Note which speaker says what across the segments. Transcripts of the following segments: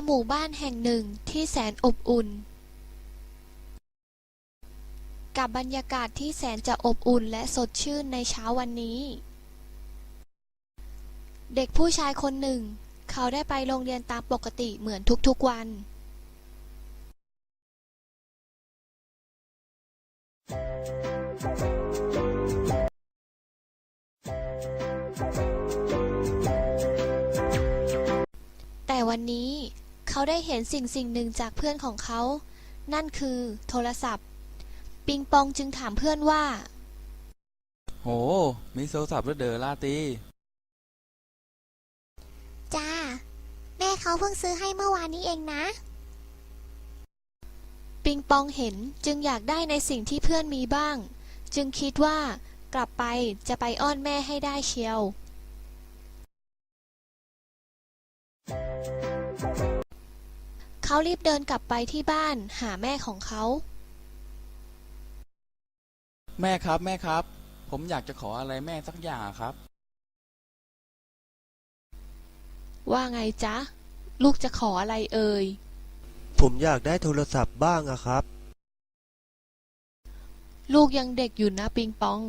Speaker 1: หมู่บ้านแห่งหนึ่งที่แสนอบอุ่นกับบรรยากาศที่แสนจะอบอุ่นและสดชื่นในเช้าวันนี้เด็กผู้ชายคนหนึ่งเขาได้ไปโรงเรียนตามปกติเหมือนทุกๆวันแต่วันนี้เขาได้เห็นสิ่งหนึ่งจากเพื่อนของเขานั่นคือโทรศัพท์ปิงปองจึงถามเพื่อนว่า
Speaker 2: โหมีโทรศัพท์ด้วยเดอลาตี
Speaker 3: จ้าแม่เขาเพิ่งซื้อให้เมื่อวานนี้เองนะ
Speaker 1: ปิงปองเห็นจึงอยากได้ในสิ่งที่เพื่อนมีบ้างจึงคิดว่ากลับไปจะไปอ้อนแม่ให้ได้เชียวเขารีบเดินกลับไปที่บ้านหาแม่ของเขา
Speaker 2: แม่ครับแม่ครับผมอยากจะขออะไรแม่สักอย่างครับ
Speaker 1: ว่าไงจ๊ะลูกจะขออะไรเอ่ย
Speaker 4: ผมอยากได้โทรศัพท์บ้างอะครับ
Speaker 1: ลูกยังเด็กอยู่นะปิงปอง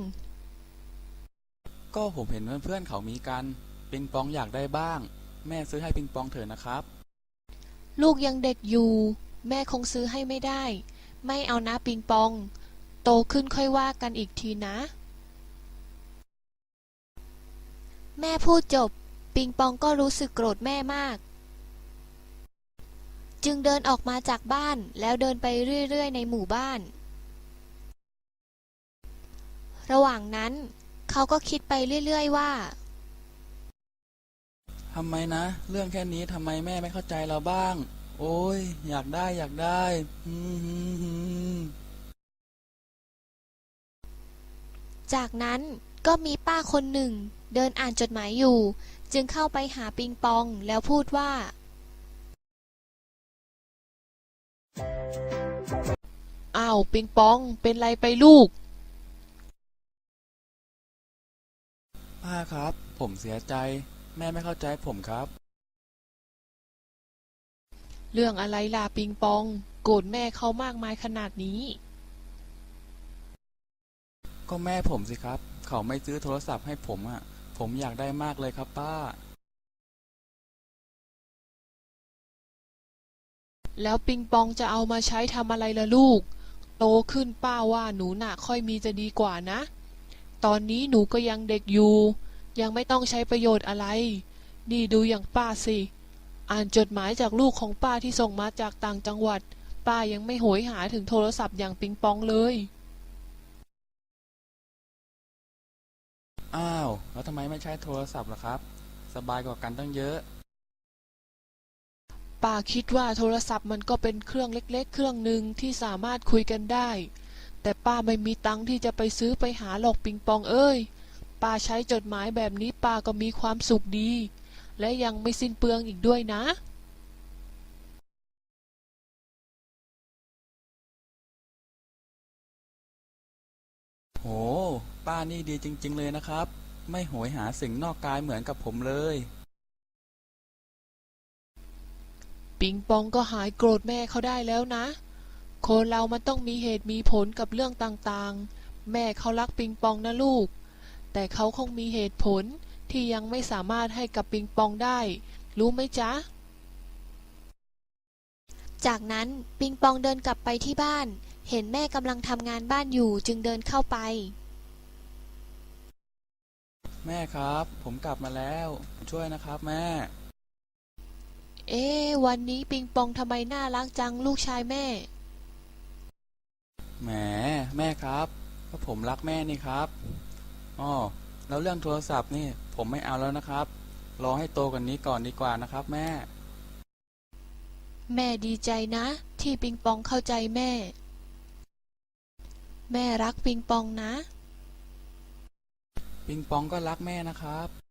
Speaker 2: ก็ผมเห็นเพื่อนๆเขามีกันปิงปองอยากได้บ้างแม่ซื้อให้ปิงปองเถอะนะครับ
Speaker 1: ลูกยังเด็กอยู่แม่คงซื้อให้ไม่ได้ไม่เอานะปิงปองโตขึ้นค่อยว่ากันอีกทีนะแม่พูดจบปิงปองก็รู้สึกโกรธแม่มากจึงเดินออกมาจากบ้านแล้วเดินไปเรื่อยๆในหมู่บ้านระหว่างนั้นเขาก็คิดไปเรื่อยๆว่า
Speaker 2: ทำไมนะเรื่องแค่นี้ทำไมแม่ไม่เข้าใจเราบ้างโอ้ยอยากได้อยากได้
Speaker 1: จากนั้นก็มีป้าคนหนึ่งเดินอ่านจดหมายอยู่จึงเข้าไปหาปิงปองแล้วพูดว่าอ้าวปิงปองเป็นไรไปลูก
Speaker 2: ป้าครับผมเสียใจแม่ไม่เข้าใจผมครับ
Speaker 1: เรื่องอะไรล่ะปิงปองโกรธแม่เขามากมายขนาดนี้
Speaker 2: ก็แม่ผมสิครับเขาไม่ซื้อโทรศัพท์ให้ผมอ่ะผมอยากได้มากเลยครับป้า
Speaker 1: แล้วปิงปองจะเอามาใช้ทำอะไรล่ะลูกโตขึ้นป้าว่าหนูน่ะค่อยมีจะดีกว่านะตอนนี้หนูก็ยังเด็กอยู่ยังไม่ต้องใช้ประโยชน์อะไรนี่ดูอย่างป้าสิอ่านจดหมายจากลูกของป้าที่ส่งมาจากต่างจังหวัดป้ายังไม่โหยหาถึงโทรศัพท์อย่างปิงปองเลย
Speaker 2: อ้าวแล้วทำไมไม่ใช้โทรศัพท์ล่ะครับสบายกว่ากันตั้งเยอะ
Speaker 1: ป้าคิดว่าโทรศัพท์มันก็เป็นเครื่องเล็กๆเครื่องหนึ่งที่สามารถคุยกันได้แต่ป้าไม่มีตังค์ที่จะไปซื้อไปหาหรอกปิงปองเอ้ยป้าใช้จดหมายแบบนี้ป้าก็มีความสุขดีและยังไม่สิ้นเปลืองอีกด้วยนะ
Speaker 2: โหป้านี่ดีจริงๆเลยนะครับไม่โหยหาสิ่งนอกกายเหมือนกับผมเลย
Speaker 1: ปิงปองก็หายโกรธแม่เขาได้แล้วนะคนเรามันต้องมีเหตุมีผลกับเรื่องต่างๆแม่เขารักปิงปองนะลูกแต่เขาคงมีเหตุผลที่ยังไม่สามารถให้กับปิงปองได้รู้ไหมจ๊ะจากนั้นปิงปองเดินกลับไปที่บ้านเห็นแม่กำลังทำงานบ้านอยู่จึงเดินเข้าไป
Speaker 2: แม่ครับผมกลับมาแล้วช่วยนะครับแม่
Speaker 1: วันนี้ปิงปองทำไมน่ารักจังลูกชายแม่
Speaker 2: แหมแม่ครับก็ผมรักแม่นี่ครับอ้อแล้วเรื่องโทรศัพท์นี่ผมไม่เอาแล้วนะครับรอให้โตกว่านี้ก่อนดีกว่านะครับแม่
Speaker 1: แม่ดีใจนะที่ปิงปองเข้าใจแม่แม่รักปิงปองนะ
Speaker 2: ปิงปองก็รักแม่นะครับ